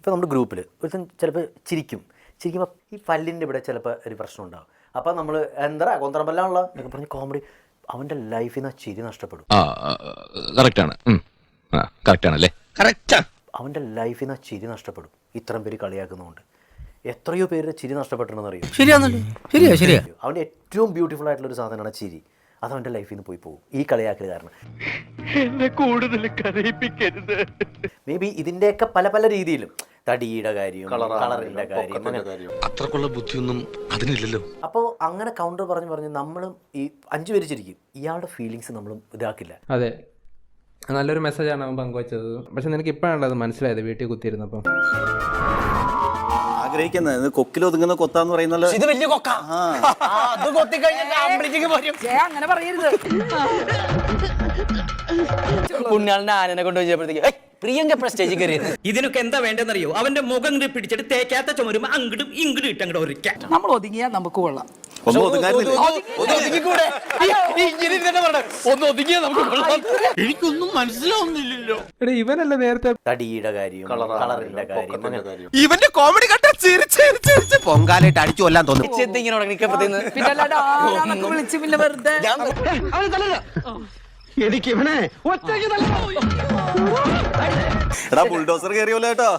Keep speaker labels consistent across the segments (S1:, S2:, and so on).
S1: ഇപ്പോൾ നമ്മുടെ ഗ്രൂപ്പിൽ ഒരുത്തൻ ചിലപ്പോൾ ചിരിക്കുമ്പോൾ ഈ പല്ലിൻ്റെ ഇവിടെ ചിലപ്പോൾ ഒരു പ്രശ്നം ഉണ്ടാകും. അപ്പോൾ നമ്മൾ എന്താ കൊന്തറമ്പല്ലാണല്ലോ എന്നൊക്കെ പറഞ്ഞ് കോമഡി, അവൻ്റെ ലൈഫിൽ നിന്ന് ചിരി നഷ്ടപ്പെടും. അവൻ്റെ ലൈഫിൽ നിന്ന് ചിരി നഷ്ടപ്പെടും ഇത്രയും പേര് കളിയാക്കുന്നതുകൊണ്ട്. എത്രയോ പേര് ചിരി നഷ്ടപ്പെട്ടിട്ടുണ്ടെന്ന് അറിയും.
S2: ശരിയാ.
S1: അവൻ്റെ ഏറ്റവും ബ്യൂട്ടിഫുൾ ആയിട്ടുള്ളൊരു സാധനമാണ് ചിരി. അത് അവൻ്റെ ലൈഫിൽ നിന്ന് പോകും ഈ കളിയാക്കൽ കാരണം.
S3: എന്നെ കൂടുതൽ കരയിപ്പിക്കരുത്.
S1: മേ ബി ഇതിൻ്റെയൊക്കെ പല പല രീതിയിലും, തടിയുടെ കാര്യം, കളറിൻ്റെ കാര്യം,
S4: അത്രക്കുള്ള ബുദ്ധിയൊന്നും അതിനില്ലല്ലോ.
S1: അപ്പോൾ അങ്ങനെ കൗണ്ടർ പറഞ്ഞ് നമ്മളും ഈ 5 പേര് ചിരിക്കും. ഇയാളുടെ ഫീലിങ്സ് നമ്മളും ഇതാക്കില്ല.
S5: അതെ, നല്ലൊരു മെസ്സേജാണ് അവൻ പങ്കുവച്ചത്. പക്ഷെ നിനക്ക് ഇപ്പോഴാണ് അത് മനസ്സിലായത് വീട്ടിൽ കുത്തിയിരുന്നപ്പം.
S6: ആഗ്രഹിക്കുന്നത് കൊക്കിലൊതുങ്ങുന്ന കൊത്താന്ന് പറയുന്നത്
S2: ഇത് വലിയ കൊക്ക. അത് കൊത്തിക്കഴിഞ്ഞാൽ അങ്ങനെ പറയരുത്. പുണ്യാളിന്റെ ആനനെ കൊണ്ട് വെച്ചപ്പോഴത്തേക്ക് പ്രിയങ്ക സ്റ്റേജിൽ കയറി.
S7: ഇതിനൊക്കെ എന്താ വേണ്ടെന്നറിയോ? അവന്റെ മുഖം ഇങ്ങോട്ട് പിടിച്ചിട്ട് തേക്കാത്ത ചുമരും അങ്ങോട്ടും ഇങ്ങോട്ടും ഇട്ടങ്ങോട്ട് ഒരിക്കാൻ.
S2: നമ്മൾ ഒതുങ്ങിയാൽ നമുക്ക് കൊള്ളാം.
S6: ഒന്നും ഒതുങ്ങാനില്ല.
S3: എനിക്കൊന്നും മനസ്സിലാവുന്നില്ലല്ലോ.
S5: എടാ ഇവനല്ല നേരത്തെ
S1: തടിയുടെ കാര്യം, കളറിൻ്റെ കാര്യം,
S4: ഇവന്റെ കോമഡി കണ്ട ചിരിച്ച് പൊങ്കാലായിട്ട് അടിച്ചു കൊല്ലാൻ തോന്നും.
S2: പിന്നെ അല്ലാണ്ട് ആരാന്നൊക്കെ വിളിച്ച് പിന്നെ വെറുതെ
S3: എനിക്ക് ഇവനെ
S6: എടാ ബുൾഡോസർ കയറിയല്ലോ കേട്ടോ.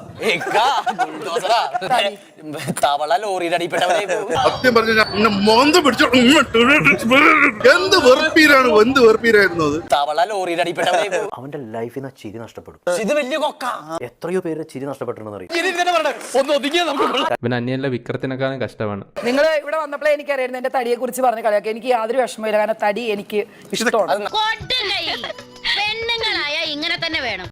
S2: തവള ലോറിയുടെ അടിപ്പെട്ടവരെ
S8: സത്യം പറഞ്ഞ മോന്ത പിടിച്ചു. എന്ത് വെറുപ്പീരായിരുന്നു അത്.
S2: തവള ലോറിയുടെ അടിപ്പെട്ടവരെ
S1: അവൻ്റെ ലൈഫിൽ നിന്ന് ചിരി നഷ്ടപ്പെടും.
S2: ഇത് വലിയ കൊക്ക.
S1: എത്രയോ പേര് ചിരി നഷ്ടപ്പെട്ടിട്ടുണ്ടെന്ന് അറിയും.
S5: ഇവൻ അന്യല്ല വിക്രത്തിനെക്കാളും കഷ്ടമാണ്.
S2: നിങ്ങൾ ഇവിടെ വന്നപ്പോഴേ എനിക്കറിയായിരുന്നു എന്റെ തടിയെ കുറിച്ച് പറഞ്ഞ കളിയാക്കി. എനിക്ക് യാതൊരു വിഷമമില്ല, കാരണം തടി എനിക്ക് ഇഷ്ടമാണ്.
S9: പെണ്ണുങ്ങളായ ഇങ്ങനെ തന്നെ വേണം.